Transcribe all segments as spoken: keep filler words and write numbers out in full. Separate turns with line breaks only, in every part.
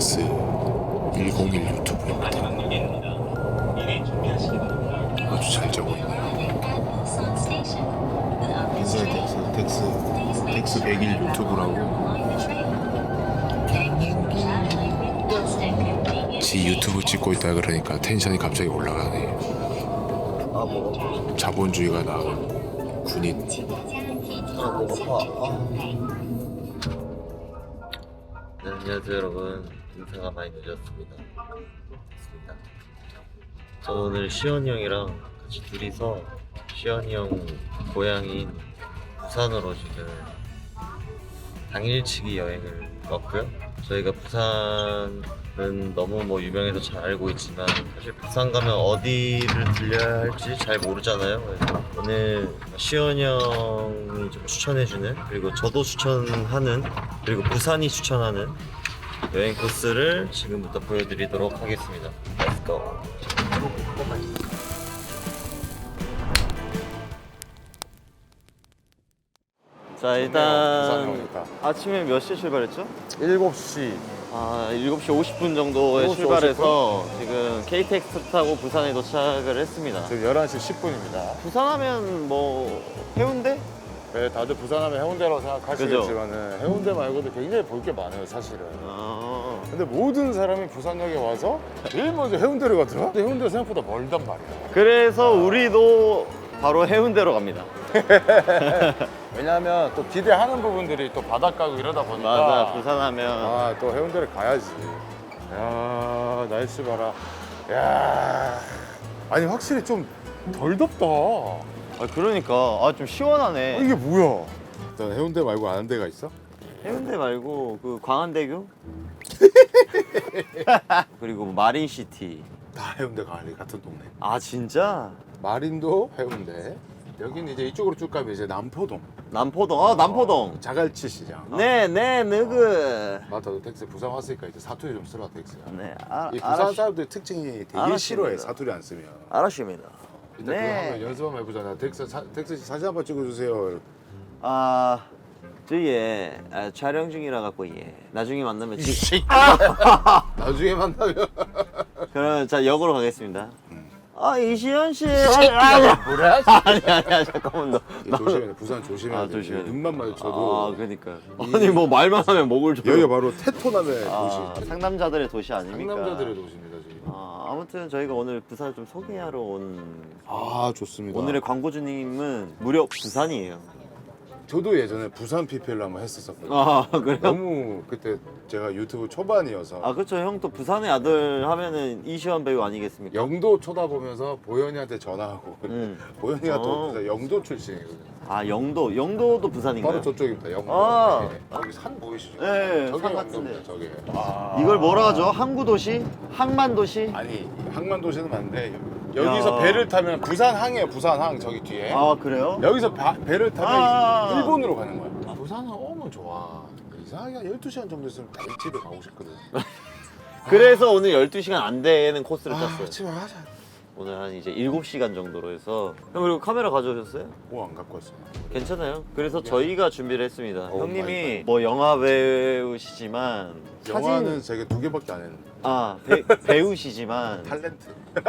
텍스 백일 유튜브입니다. 아주 잘 자고 있네요. 인사이 텍스 텍스 텍스 백일 유튜브라고 지 유튜브 찍고 있다 그러니까 텐션이 갑자기 올라가네.
아 뭐?
자본주의가 나은 군인.
아 배고파. 아. 네, 안녕하세요 여러분. 인사가 많이 늦었습니다. 좋습니다. 저 오늘 시원이 형이랑 같이 둘이서 시원이 형 고향인 부산으로 지금 당일치기 여행을 왔고요. 저희가 부산은 너무 뭐 유명해서 잘 알고 있지만 사실 부산 가면 어디를 들려야 할지 잘 모르잖아요. 그래서 오늘 시원이 형이 좀 추천해주는, 그리고 저도 추천하는, 그리고 부산이 추천하는 여행 코스를 지금부터 보여드리도록 하겠습니다. Let's go. 자 일단 아침에 몇 시에 출발했죠?
일곱 시.
아 일곱 시 오십 분 정도에
일곱 시
출발해서 지금 케이티엑스 타고 부산에 도착을 했습니다.
지금 열한 시 십 분입니다.
부산하면 뭐 해운대?
네, 다들 부산하면 해운대라고 생각하시겠지만 해운대 말고도 굉장히 볼 게 많아요, 사실은.
아...
근데 모든 사람이 부산역에 와서 제일 먼저 해운대를 가더라? 근데 해운대 생각보다 멀단 말이야.
그래서 우리도 바로 해운대로 갑니다.
왜냐하면 또 기대하는 부분들이 또 바닷가고 이러다 보니까
맞아, 부산하면
아, 또 해운대를 가야지. 야, 날씨 봐라. 야, 아니 확실히 좀 덜 덥다.
아, 그러니까 아, 좀 시원하네.
아, 이게 뭐야? 일단 해운대 말고 아는 데가 있어?
해운대 말고 그 광안대교? 그리고 마린시티.
다 해운대 가을리 같은 동네.
아 진짜?
마린도 해운대. 여기는 이제 이쪽으로 쭉 가면 이제 남포동.
남포동. 아 남포동.
자갈치 시장.
네, 네, 너그.
맞다, 텍스 부산 왔으니까 이제 사투리 좀 쓰라 텍스야.
네, 아,
이 부산
알았,
사람들 특징이 되게
알았습니다.
싫어해, 사투리 안 쓰면.
알았습니다.
일단
네.
그거 한번 연습 한번 해보자. 텍스 사, 텍스 씨 사진 한번 찍어주세요.
아, 저희 아, 촬영 중이라 갖고 예. 나중에 만나면 지.
나중에 만나면.
그럼 자 역으로 가겠습니다.
음.
아 이시연 씨. 아니 아니
뭐래?
아니 아니 잠깐만 너.
조심해, 부산 조심해야
아,
돼.
조심해야 돼.
눈만 마주쳐도.
아 그러니까. 아니 뭐 말만 하면 목을 줘.
여기가 바로 테토남의
아,
도시.
상남자들의 도시 아닙니까?
상남자들의 도시입니다 지금.
아, 아무튼 저희가 오늘 부산을 좀 소개하러 온
아, 좋습니다.
오늘의 광고주님은 무려 부산이에요.
저도 예전에 부산 피피엘로 한번 했었었거든요.
아 그래요?
너무 그때 제가 유튜브 초반이어서
아 그렇죠. 형 또 부산의 아들 하면은 이시원 배우 아니겠습니까?
영도 쳐다보면서 보현이한테 전화하고
음.
보현이가
어.
또 부산 영도 출신이거든요.
아 영도, 영도도 부산인가요?
바로 저쪽입니다. 영도.
아.
네. 저기 산 보이시죠?
네,
저게
산
영도입니다.
같은데.
저게. 아.
이걸 뭐라 하죠? 항구도시? 항만도시?
아니 항만도시는 맞는데 여기서
야.
배를 타면 부산항이에요. 부산항 저기 뒤에.
아 그래요?
여기서 바- 배를 타면
아.
일본으로 가는 거야. 부산은 오면 좋아. 이상하게 한 열두 시간 정도 있으면 다른 집에 가고 싶거든.
그래서 오늘 열두 시간 안 되는 코스를
아,
짰어요.
집에 가자.
오늘 한 이제 일곱 시간 정도로 해서 형 그리고 카메라 가져오셨어요?
뭐 안 갖고 왔어요.
괜찮아요. 그래서 저희가 준비를 했습니다.
오,
형님이
마이 갓.
뭐 영화 배우시지만
영화는
사진
제가 두 개밖에 안 했는데.
아 배, 배우시지만
탤런트.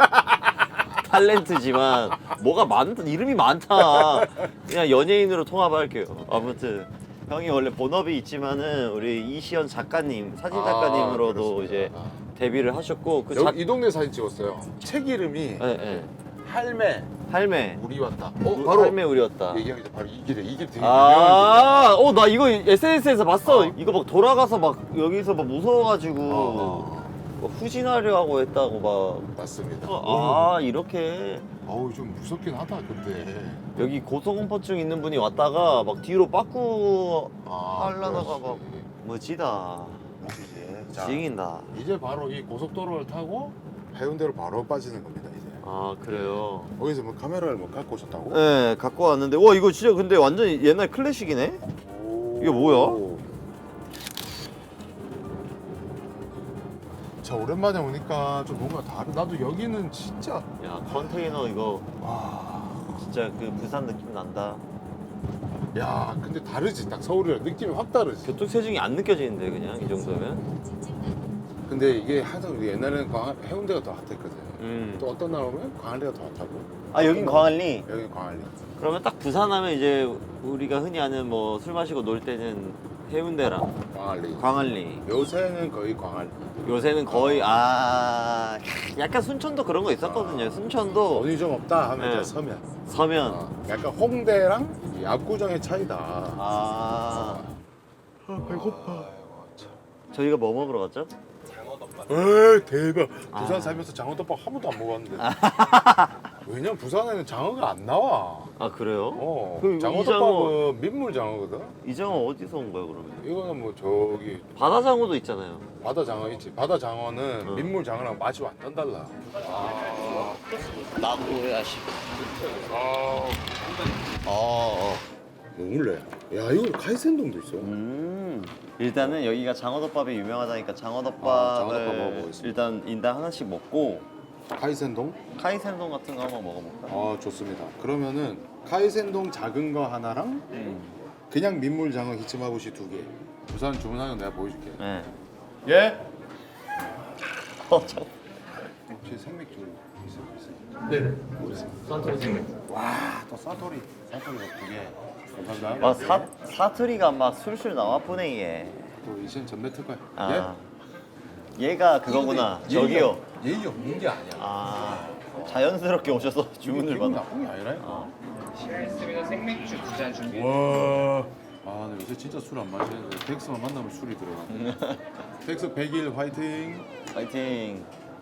탤런트지만 뭐가 많다 이름이 많다. 그냥 연예인으로 통합할게요. 아무튼 형이 원래 본업이 있지만은 우리 이시연 작가님 사진
아,
작가님으로도
그렇습니다.
이제
아.
데뷔를 하셨고 그
여기
작...
이 동네 사진 찍었어요. 책 이름이
네, 네.
할매
할매
우리 왔다. 어,
우-
바로
할매 우리였다.
얘기하기 전 바로 이 길에 이 길 되게 유명한
아, 어, 나 이거 에스엔에스에서 봤어.
어.
이거 막 돌아가서 막 여기서 막 무서워가지고
어,
막 후진하려고 했다고 막.
길. 맞습니다.
아, 이렇게
어우 좀 무섭긴 하다 근데.
여기 고소공포증 있는 분이 왔다가 막 뒤로 빠꾸
아,
하려다가
그렇지.
막 멋지다.
이제 자,
지긴다.
이제 바로 이 고속도로를 타고 해운대로 바로 빠지는 겁니다 이제.
아, 그래요.
거기서 뭐 카메라를 뭐 갖고 오셨다고?
네, 갖고 왔는데 와 이거 진짜 근데 완전 옛날 클래식이네.
오.
이게 뭐야?
자 오랜만에 오니까 좀 뭔가 다르. 나도 여기는 진짜
야 컨테이너 이거
와.
진짜 그 부산 느낌 난다.
야 근데 다르지 딱 서울이랑 느낌이 확 다르지.
교통체증이 안 느껴지는데 그냥 이 정도면.
근데 이게 하도 옛날에는 광, 해운대가 더 핫했거든.
음.
또 어떤 날 오면 광안리가 더 핫하고.
아 여긴 광안리.
여기 광안리.
그러면 딱 부산하면 이제 우리가 흔히 아는 뭐 술 마시고 놀 때는 해운대랑
광안리.
광안리.
요새는 거의 광안리.
요새는 거의 아 약간 순천도 그런 거 있었거든요. 순천도
돈이 좀 없다 하면
네.
이제 서면.
서면
어, 약간 홍대랑 이 압구정의 차이다.
아
아, 배고파.
저희가 뭐 먹으러 갔죠?
에이 대박. 부산
아.
살면서 장어덮밥 한 번도 안 먹었는데. 왜냐면 부산에는 장어가 안 나와.
아 그래요?
어.
그럼
장어덮밥은 민물 장어거든.
이 장어 어디서 온 거예요 그러면?
이거는 뭐 저기
바다 장어도 있잖아요.
바다 장어 있지. 바다 장어는
어.
민물 장어랑 맛이 완전 달라.
나무야시.
아.
어.
먹을래? 야 이거 카이센동도 있어.
음. 일단은 여기가 장어덮밥이 유명하다니까 장어덮밥을
아, 장어덮밥 먹어보겠습니다.
일단 인당 하나씩 먹고
카이센동?
카이센동 같은 거 한번 먹어볼까?
아 좋습니다. 그러면은 카이센동 작은 거 하나랑
음.
그냥 민물 장어 히치마부시 두 개. 부산 주문하는 거 내가 보여줄게.
네.
예?
어, 저...
혹시 생맥주 있어요? 있어요?
네네.
산토리 생맥. 와또 사토리. 사토리가 두 개. 감사합니다.
아, 사, 사투리가 막 술술 나와 보네 얘.
또 이젠 전매 특허야.
아. 얘가 그거구나. 저기요.
예의 없는 게 아니야.
아. 자연스럽게 오셔서 주문을
기분
받아.
나쁜 게 아니라.
아.
실례했습니다. 생맥주 두 잔 준비해
와. 아, 근데 요새 진짜 술 안 마시는데 덱스만 만나면 술이 들어가. 덱스 백 일 화이팅.
파이팅.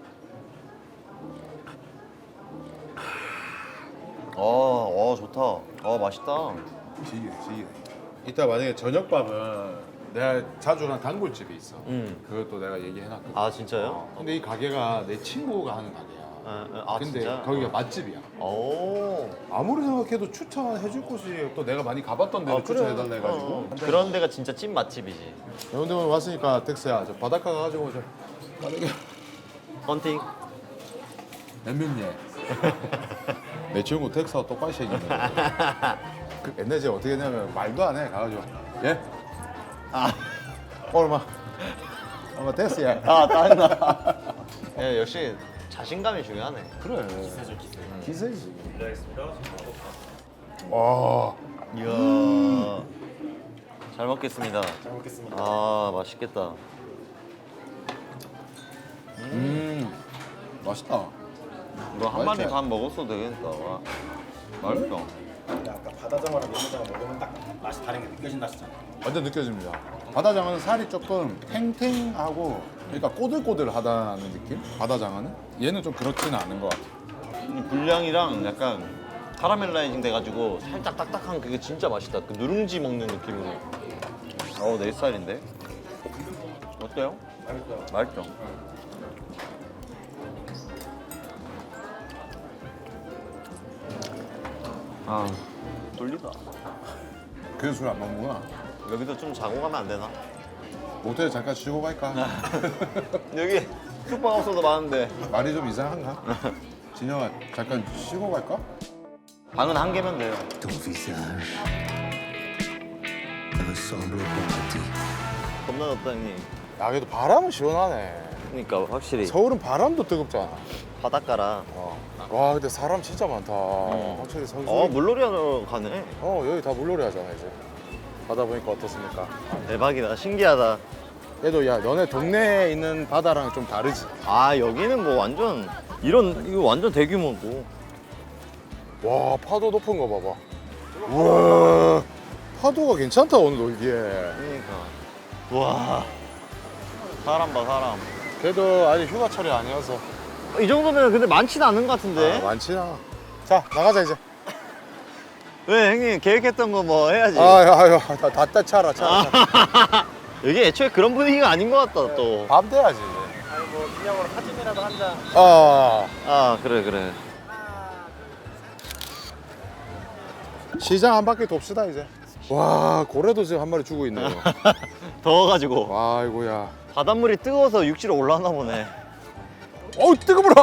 어, 어 좋다. 어 맛있다.
지기네, 지기네. 이따 만약에 저녁밥은 내가 자주 가는 단골집이 있어.
음.
그것도 내가 얘기해놨거든.
아 진짜요?
어, 근데 이 가게가 내 친구가 하는 가게야.
아, 아
근데
진짜?
거기가 맛집이야.
오.
아무리 생각해도 추천해줄 곳이 또 내가 많이 가봤던 데를
아, 그래.
추천해달라 해가지고.
어, 어. 그런 데가 진짜 찐 맛집이지.
해운대 오늘 왔으니까 덱스야, 저 바닷가 가가지고 저 빠르게
헌팅.
냉면예. 내 친구 덱스하고 똑같이 생겼네. 그 옛날에 제가 어떻게 했냐면 말도 안 해 가가지고 예?
아.
얼마? 얼마 됐어요?
아 짜증나. 예, 역시 자신감이 중요하네.
그래. 기세죠 기세. 기세지. 와.
이야. 잘 먹겠습니다. 잘 먹겠습니다. 아 맛있겠다.
음. 맛있다.
이거 한 마리
맛있지?
반 먹었어도 되겠다. 와. 맛있다.
아까 바다장어랑 민물장어 먹으면 딱 맛이 다른 게 느껴진다 했잖아.
완전 느껴집니다. 바다장어는 살이 조금 탱탱하고 그러니까 꼬들꼬들하다는 느낌? 바다장어는? 얘는 좀 그렇지는 않은 것 같아.
이 분량이랑 약간 카라멜라이징 돼가지고 살짝 딱딱한 그게 진짜 맛있다. 그 누룽지 먹는 느낌으로. 어우 내 스타일인데. 어때요? 맛있어요. 맛있죠. 아 뚫리다.
그래서 술 안 먹는구나.
여기서 좀 자고 가면 안 되나?
모텔에 잠깐 쉬고 갈까?
여기 숙박업소도 많은데
말이 좀 이상한가? 진영아 잠깐 쉬고 갈까?
방은 한 개면 돼요. 겁나 덥다 형님.
야 그래도 바람은 시원하네.
그러니까 확실히
서울은 바람도 뜨겁잖아.
바닷가라.
어. 와 근데 사람 진짜 많다. 확실히 서울.
어 물놀이 하러 가네.
어 여기 다 물놀이 하잖아 이제. 바다 보니까 어떻습니까?
대박이다. 신기하다.
그래도 야 너네 동네에 있는 바다랑 좀 다르지?
아 여기는 뭐 완전 이런 이거 완전 대규모고.
와 파도 높은 거 봐봐. 우와 파도가 괜찮다 오늘 놀기에.
그러니까. 와 사람 봐 사람.
그래도 아직 휴가철이 아니어서
이 정도면 근데 많지는 않은 것 같은데.
아, 많지나. 자 나가자 이제.
왜 형님 계획했던 거 뭐 해야지.
아유 아유 다, 다 차라 차라.
여기 애초에 그런 분위기가 아닌 것 같다 또.
밤 돼야지.
아니 뭐 기념으로 사진이라도 한 장.
아
아 그래 그래.
시장 한 바퀴 돕시다 이제. 와 고래도 지금 한 마리 주고 있네요.
더워가지고
아이고야.
바닷물이 뜨거워서 육지로 올라왔나 보네.
어우 뜨거워라.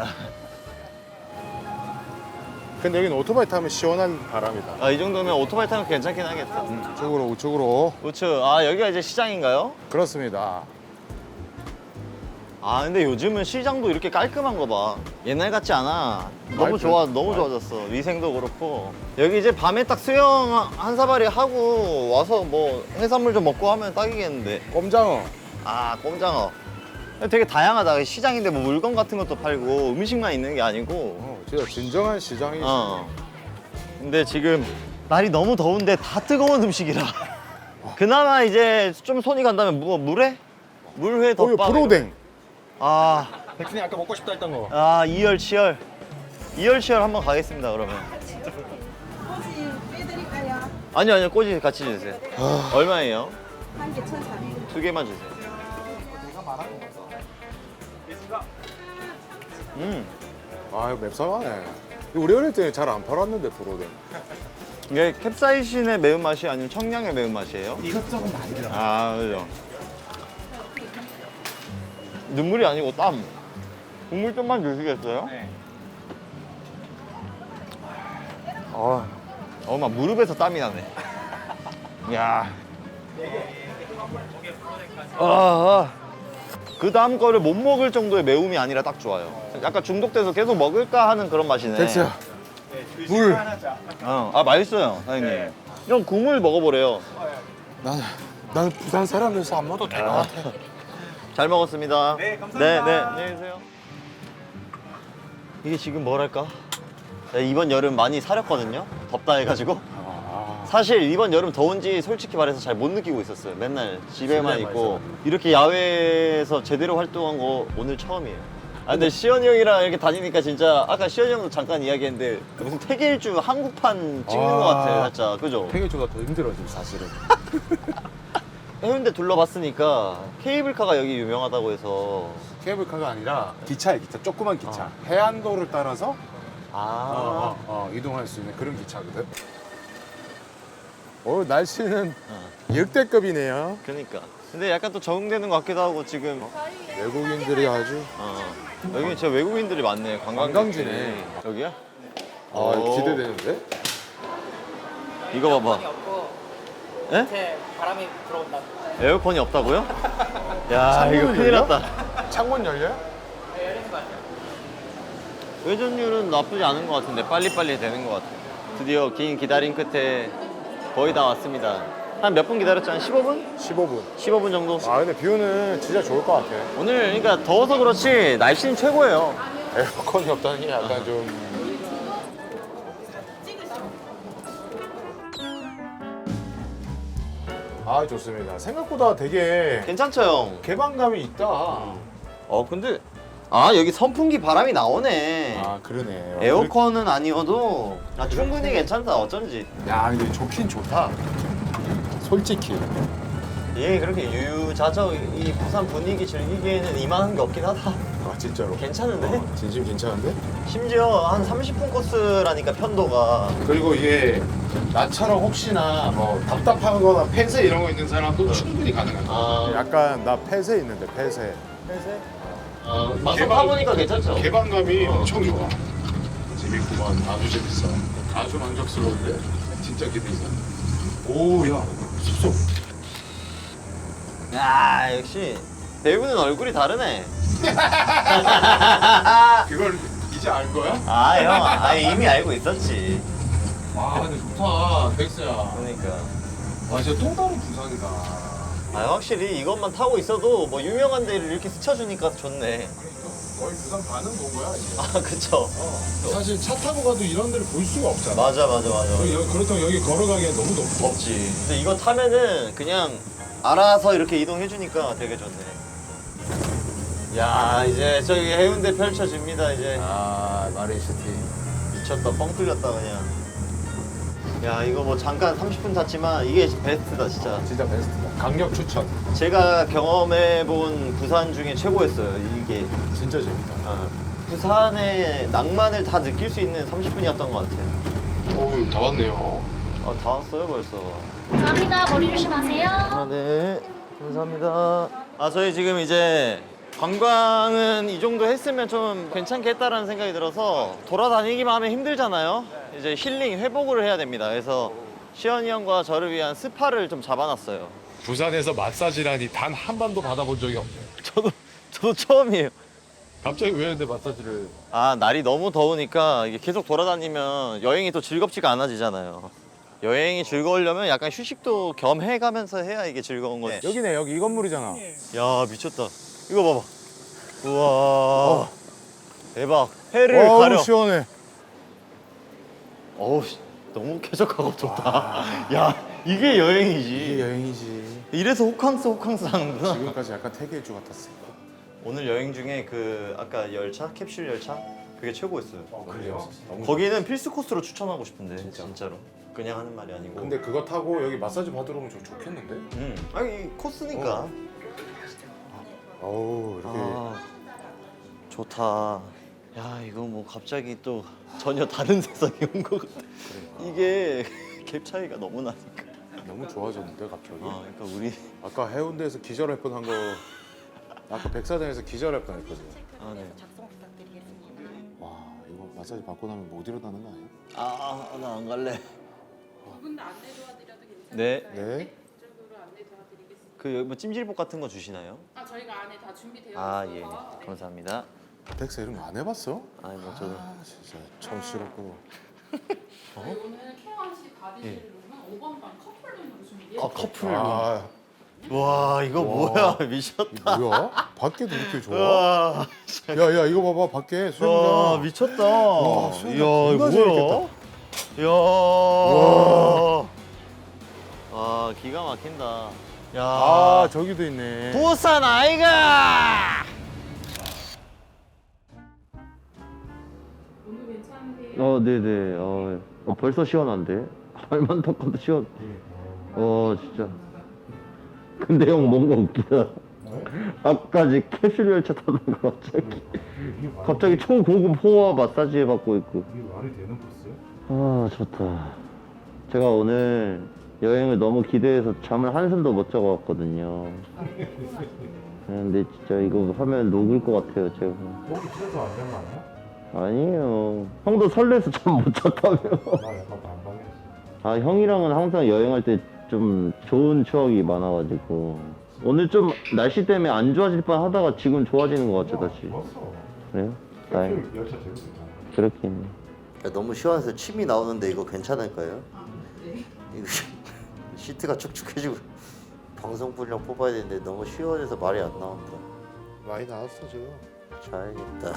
근데 여기는 오토바이 타면 시원한 바람이다.
아 이 정도면 오토바이 타면 괜찮긴 하겠다.
우측으로 우측으로.
우측. 아 여기가 이제 시장인가요?
그렇습니다.
아 근데 요즘은 시장도 이렇게 깔끔한 거 봐. 옛날 같지 않아. 너무 좋아, 너무 좋아졌어. 위생도 그렇고. 여기 이제 밤에 딱 수영 한 사발이 하고 와서 뭐 해산물 좀 먹고 하면 딱이겠는데.
꼼장어.
아 꼼장어. 되게 다양하다. 시장인데 뭐 물건 같은 것도 팔고 음식만 있는 게 아니고.
어, 진짜 진정한 시장이지.
어. 근데 지금 날이 너무 더운데 다 뜨거운 음식이라. 그나마 이제 좀 손이 간다면 뭐 물회? 물회
어, 이거
덮밥.
프로댕.
아.
백순이 아까 먹고 싶다 했던 거.
아 이열치열 이열치열 한번 가겠습니다 그러면.
꼬지 빼드릴까요?
아니요 아니요 꼬지 같이 주세요. 얼마예요?
한 개 천사백.
두 개만 주세요. 음
아, 이거 맵상하네. 우리 어릴 때 잘 안 팔았는데 프로댕.
이게 캡사이신의 매운맛이 아니면 청량의 매운맛이에요?
이것저것 많이 들어.
아 그죠. 눈물이 아니고 땀. 국물 좀만 주시겠어요?
네.
어, 어, 막 무릎에서 땀이 나네. 야. 아, 아. 그 다음 거를 못 먹을 정도의 매움이 아니라 딱 좋아요. 약간 중독돼서 계속 먹을까 하는 그런 맛이네.
덱스야. 물.
어, 아 맛있어요, 사장님. 형 국물 먹어보래요.
나는 나는 부산 사람이라서 안 먹어도 될 것 같아.
잘 먹었습니다.
네, 감사합니다.
네, 네, 안녕히 계세요. 이게 지금 뭐랄까? 네, 이번 여름 많이 사렸거든요. 덥다 해가지고. 사실 이번 여름 더운지 솔직히 말해서 잘 못 느끼고 있었어요. 맨날 집에만
집에만
있고 이렇게 야외에서 제대로 활동한 거 오늘 처음이에요. 아 근데 시현이 형이랑 이렇게 다니니까 진짜 아까 시현이 형도 잠깐 이야기했는데 무슨 태계일주 한국판 찍는
아.
것 같아 살짝 그죠?
폐기주가 더 힘들어 지금 사실은.
해운대 둘러봤으니까 케이블카가 여기 유명하다고 해서
케이블카가 아니라 기차에 기차, 조그만 기차. 해안도를 따라서
아
어, 어, 어, 이동할 수 있는 그런 기차거든. 오늘 날씨는 역대급이네요.
그러니까 근데 약간 또 적응되는 것 같기도 하고 지금
외국인들이 아주
어. 여기 진짜 외국인들이 많네 관광객들이.
관광지네.
여기야?
아
오.
기대되는데?
이거 봐봐 예?
밑에 바람이 들어온다.
에어컨이 없다고요? 야 이거
창문을
큰일
열려?
났다.
창문 열려요?
네, 열리는 거 같아요.
회전율은 나쁘지 않은 것 같은데 빨리빨리 되는 것 같아요. 드디어 긴 기다림 끝에 거의 다 왔습니다. 한 몇 분 기다렸죠? 한 십오 분?
십오 분.
십오 분 정도?
아 근데 뷰는 진짜 좋을 것 같아.
오늘 그러니까 더워서 그렇지 날씨는 최고예요.
에어컨이 없다는 게 약간 좀. 아 좋습니다. 생각보다 되게
괜찮죠 형?
개방감이 있다.
어 근데 아 여기 선풍기 바람이 나오네.
아 그러네.
에어컨은 아니어도 아, 충분히 괜찮다 어쩐지.
야 근데 좋긴 좋다. 솔직히.
예 그렇게 유유자적 이 부산 분위기 즐기기에는 이만한 게 없긴 하다.
아 진짜로.
괜찮은데?
어, 진심 괜찮은데?
심지어 한 삼십 분 코스라니까 편도가.
그리고 이게 나처럼 혹시나 뭐 답답하거나 폐쇄 이런 거 있는 사람도 충분히 가능하다.
아,
약간 나 폐쇄 있는데 폐쇄.
어, 막상
개방-
타보니까 괜찮죠?
개방감이 엄청 좋아. 재밌구만. 아주 재밌어. 아주 만족스러운데 진짜 기대돼. 오야 숲속.
야 역시 배우는 얼굴이 다르네.
그걸 이제 알 거야?
아 형, 아 이미 알고 있었지.
와 근데 좋다 덱스야.
그러니까.
아 진짜 또 다른 부산이다.
아 확실히 이것만 타고 있어도 뭐 유명한 데를 이렇게 스쳐주니까 좋네.
거의 부산 반은 본 거야 이제.
아 그쵸.
사실 차 타고 가도 이런 데를 볼 수가 없잖아.
맞아 맞아 맞아.
여기, 그렇다고 여기 걸어가기엔 너무 덥고.
없지. 근데 이거 타면은 그냥 알아서 이렇게 이동해주니까 되게 좋네. 야 이제 저기 해운대 펼쳐집니다 이제.
아 마린시티.
미쳤다 뻥 뚫렸다 그냥. 야 이거 뭐 잠깐 삼십 분 탔지만 이게 베스트다 진짜.
진짜 베스트다. 강력 추천.
제가 경험해본 부산 중에 최고였어요 이게.
진짜 재밌다.
아, 부산의 낭만을 다 느낄 수 있는 삼십 분이었던 것 같아요.
오, 다 왔네요.
아, 다 왔어요 벌써.
감사합니다. 머리 조심하세요.
아, 네. 감사합니다. 아, 저희 지금 이제 관광은 이 정도 했으면 좀 괜찮겠다라는 생각이 들어서 돌아다니기만 하면 힘들잖아요. 이제 힐링, 회복을 해야 됩니다. 그래서 시현이 형과 저를 위한 스파를 좀 잡아놨어요.
부산에서 마사지라니 단 한 번도 받아본 적이 없네.
저도 저도 처음이에요.
갑자기 왜 근데 마사지를?
아 날이 너무 더우니까 이게 계속 돌아다니면 여행이 또 즐겁지가 않아지잖아요. 여행이 즐거우려면 약간 휴식도 겸 해가면서 해야 이게 즐거운 거지.
여기네 여기 이 건물이잖아.
야 미쳤다. 이거 봐봐. 우와. 대박. 해를
어우
가려.
시원해.
어우 씨, 너무 쾌적하고 좋다. 야 이게 여행이지.
이게 여행이지.
이래서 호캉스 호캉스 하는구나.
지금까지 약간 태계일주 같았어.
오늘 여행 중에 그 아까 열차 캡슐 열차 그게 최고였어요.
그래요? 너무
거기는 필수 코스로 추천하고 싶은데 진짜로. 그냥 하는 말이 아니고.
근데 그거 타고 여기 마사지 받으러 오면 좀 좋겠는데?
음. 아니 이 코스니까.
어우 이렇게
아, 좋다. 야 이거 뭐 갑자기 또 전혀 다른 세상이 온 것 같아. 이게 갭 차이가 너무 나니까.
너무 좋아졌는데 갑자기.
아 그러니까 우리
아까 해운대에서 기절할 뻔한 거 아까 백사장에서 기절할 뻔했거든.
아 네.
와 이거 마사지 받고 나면 못 일어나는 거 아니야?
아나 안 갈래.
두분 다 안내 도와드려도 괜찮아요?
네.
네.
이쪽으로 안내 도와드리겠습니다.
그 뭐 찜질복 같은 거 주시나요?
아 저희가 안에 다 준비되어
아
있어서
예.
네.
감사합니다.
덱스 이런 거 안 해봤어?
아니 뭐 저도.
아 진짜 처음 싫었고.
저희 오늘 케어 씨 받으실
예.
룸은 오 번방 커플룸으로 준비되어
아
있어요.
커플.
아
와 이거
와.
뭐야 미쳤다.
뭐야? 밖에도 이렇게 좋아?
와,
야야 이거 봐봐 밖에
와
수영장.
미쳤다.
와,
이야
수영장
이거
존나
뭐야? 이야.
와.
아 기가 막힌다. 야.
아 저기도 있네.
부산 아이가.
오늘 괜찮으세요?
어 네네. 어, 어 벌써 시원한데. 발만 닦아도 시원. 어 진짜. 근데 형 뭔가 웃기다. 아까지 캡슐 열차 타다가 갑자기 갑자기 초고급 호화 마사지 해받고 있고.
이게 말이 되는 코스야?
아 좋다. 제가 오늘 여행을 너무 기대해서 잠을 한숨도 못 자고 왔거든요. 근데 진짜 이거 하면 녹을 것 같아요 제가.
목이 찢어서 안 되는 거 아니야?
아니에요. 형도 설레서 잠 못 잤다며.
나 약간 반방했어.
아 형이랑은 항상 여행할 때 좀 좋은 추억이 많아가지고 오늘 좀 날씨 때문에 안 좋아질 뻔 하다가 지금 좋아지는 것 같아 다시.
좋았어.
그래요? 다행.
열차 재밌었잖아.
그렇긴. 너무 시원해서 침이 나오는데 이거 괜찮을까요?
네.
이거 시트가 축축해지고 방송 분량 뽑아야 되는데 너무 시원해서 말이 안 나온다.
많이 나왔어 지금.
자야겠다.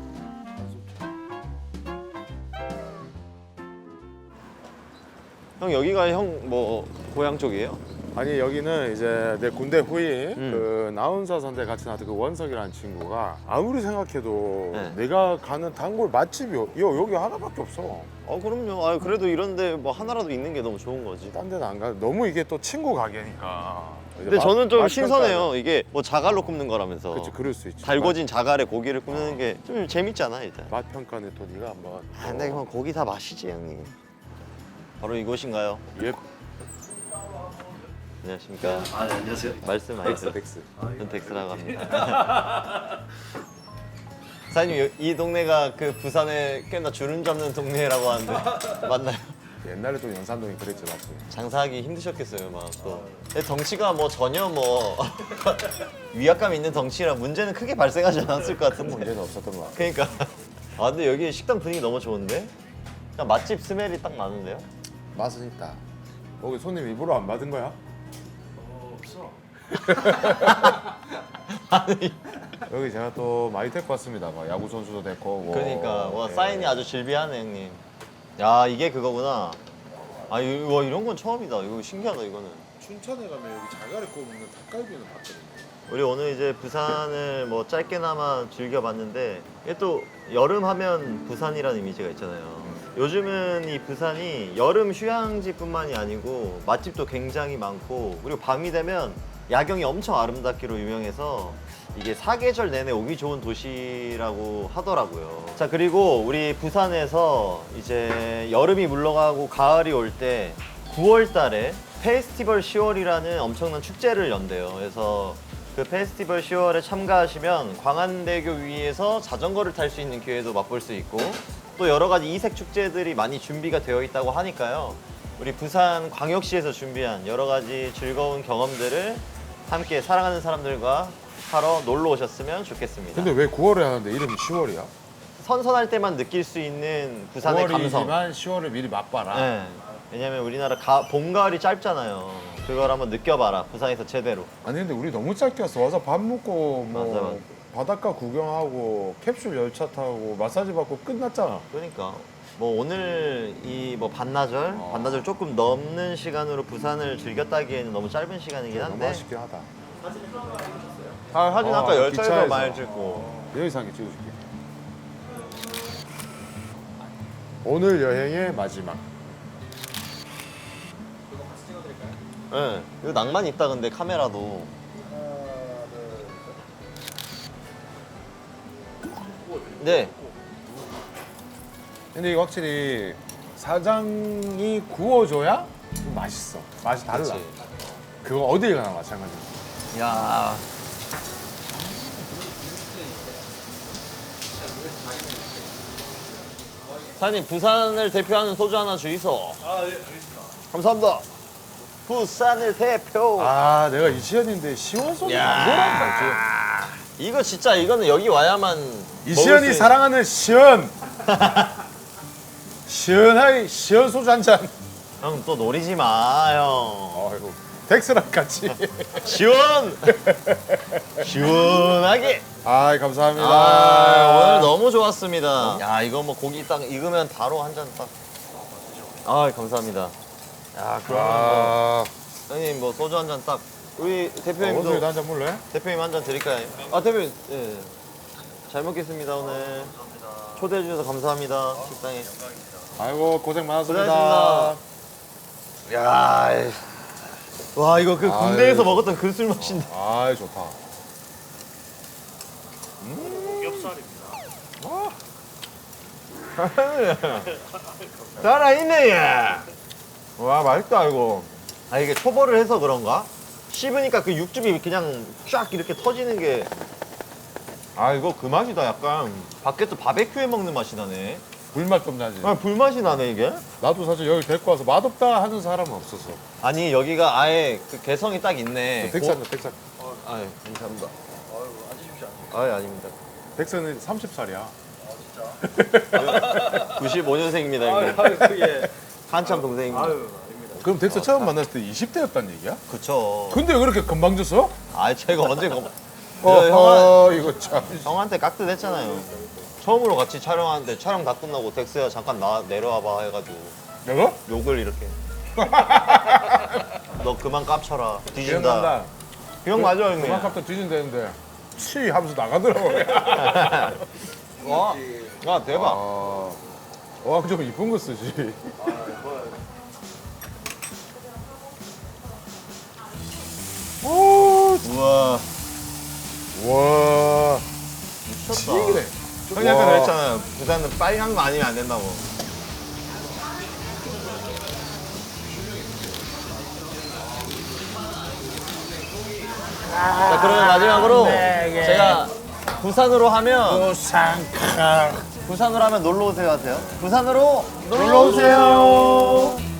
형 여기가 형 뭐 고향 쪽이에요?
아니 여기는 이제 내 군대 후임
음.
그 나운서 선대 같이 나왔던 그 원석이라는 친구가 아무리 생각해도
네.
내가 가는 단골 맛집이 요, 요 여기 하나밖에 없어.
어 그럼요. 아 그래도 이런데 뭐 하나라도 있는 게 너무 좋은 거지.
딴 데는 안 가. 너무 이게 또 친구 가게니까.
근데 저는 좀 신선해요. 이게 뭐 자갈로 굽는 거라면서.
그렇지 그럴 수 있지.
달궈진 자갈에 고기를 굽는 게 좀 재밌잖아 일단.
맛, 맛 평가는 또 네가 한번.
아, 근데 형 고기 다 맛이지 형님. 바로 이곳인가요?
예.
안녕하십니까.
아, 네, 안녕하세요.
말씀하세요.
덱스.
전 덱스라고 합니다. 사장님 여- 이 동네가 그 부산에 꽤나 주름 잡는 동네라고 하는데 맞나요?
옛날에 또 연산동이 그랬지 맞지.
장사하기 힘드셨겠어요 막 또. 근데 덩치가 뭐 전혀 뭐 위압감 있는 덩치라 문제는 크게 발생하지 않았을 것 같은데.
문제는 없었던 것 같아.
그러니까. 아 근데 여기 식당 분위기 너무 좋은데? 그냥 맛집 스멜이 딱 나는데요?
맛은 있다. 여기 손님 입으로 안 받은 거야?
아니
여기 제가 또 많이 데리고 왔습니다. 막 야구 선수도 데리고 오고.
그러니까 와
예.
사인이 아주 질비하네 형님. 야 이게 그거구나. 아 이거 이런 건 처음이다. 이거 신기하다 이거는.
춘천에 가면 여기 자갈에 구워 먹는 닭갈비는 봤거든요.
우리 오늘 이제 부산을 뭐 짧게나마 즐겨봤는데 이게 또 여름 하면 부산이라는 이미지가 있잖아요. 요즘은 이 부산이 여름 휴양지뿐만이 아니고 맛집도 굉장히 많고 그리고 밤이 되면 야경이 엄청 아름답기로 유명해서 이게 사계절 내내 오기 좋은 도시라고 하더라고요. 자 그리고 우리 부산에서 이제 여름이 물러가고 가을이 올 때 구월 달에 페스티벌 시월이라는 엄청난 축제를 연대요. 그래서 그 페스티벌 시월에 참가하시면 광안대교 위에서 자전거를 탈 수 있는 기회도 맛볼 수 있고 또 여러 가지 이색 축제들이 많이 준비가 되어 있다고 하니까요. 우리 부산 광역시에서 준비한 여러 가지 즐거운 경험들을 함께 사랑하는 사람들과 하러 놀러 오셨으면 좋겠습니다.
근데 왜 구월에 하는데 이름이 시월이야?
선선할 때만 느낄 수 있는 부산의 감성.
구월이지만 시월을 미리 맛봐라.
네. 왜냐면 우리나라 가, 봄, 가을이 짧잖아요. 그걸 한번 느껴봐라. 부산에서 제대로.
아니 근데 우리 너무 짧게 왔어. 와서 밥 먹고 뭐
맞아, 맞아.
바닷가 구경하고 캡슐 열차 타고 마사지 받고 끝났잖아.
그러니까 뭐 오늘 이 뭐 반나절,
어.
반나절 조금 넘는 시간으로 부산을 즐겼다기에는 너무 짧은 시간이긴
너무
한데.
아쉽긴 하다.
아, 사진
어,
아까 열차에서
기차에서.
많이 찍고.
여기서 한개 찍어줄게. 오늘 여행의 마지막.
예. 네. 이거 낭만 있다 근데 카메라도. 네.
근데 이거 확실히 사장이 구워줘야 좀 맛있어. 맛이 달라.
그치.
그거 어딜 가나 마찬가지야.
야. 사장님 부산을 대표하는 소주 하나 주이소. 아, 네, 알겠습니다. 감사합니다. 부산을 대표.
아 내가 이시연인데 시원 소주 안 좋아한다.
이거 진짜 이거는 여기 와야만.
이시연이
먹을 수
사랑하는 시연. 시원하게 시원 소주 한 잔.
형 또 노리지 마, 형.
아이고 덱스랑 같이.
시원. 시원하게.
아이 감사합니다.
아, 오늘 너무 좋았습니다. 야, 이거 뭐 고기 딱 익으면 바로 한 잔 딱. 아, 감사합니다. 야, 그러면 뭐
아,
형님 뭐 소주 한 잔 딱. 우리
어디서
대표님도
한잔 물래?
대표님 한 잔 드릴까요? 아, 대표님. 예. 잘 먹겠습니다, 오늘. 초대해 주셔서 감사합니다. 식당에.
아이고 고생 많았습니다.
고생하셨습니다. 야, 이- 와 이거 그 군대에서
아유.
먹었던 그 술 맛인데.
아이 좋다.
살아있네 얘. 와 맛있다 이거. 아 이게 초벌을 해서 그런가? 씹으니까 그 육즙이 그냥 쫙 이렇게 터지는 게. 아 이거 그 맛이다 약간. 밖에서 바베큐에 먹는 맛이 나네.
불맛 좀 나지.
아 불맛이 나네 이게.
나도 사실 여기 데리고 와서 맛없다 하는 사람은 없었어.
아니 여기가 아예 그 개성이 딱 있네.
덱스한다 덱스.
아 감사합니다. 아유 아닙니다.
덱스는 삼십 살이야.
구십오 년생입니다 형님. 한참 동생입니다.
그럼 덱스 처음 만났을 때 이십 대였단 얘기야?
그쵸.
근데 왜 그렇게 금방 졌어?
아 제가 언제 검...
어허 이거 참.
형한테 깍듯했잖아요. 처음으로 같이 촬영하는데 촬영 다 끝나고 덱스야 잠깐 나 내려와봐 해가지고
내가?
욕을 이렇게. 너 그만 깝쳐라. 뒤진다.
기억난다.
형 맞아 형님.
그만큼 뒤진다는데 치 하면서 나가더라고.
와, 와 대박.
아, 와, 좀 이쁜 거 쓰지. 오,
우와
와,
미쳤다.
치기네.
형이 아까
와.
그랬잖아요. 부산은 빨간 거 아니면 안 된다고. 자 그러면 마지막으로 제가 부산으로 하면
부산카.
부산으로 하면 놀러 오세요 하세요. 부산으로 놀러 오세요.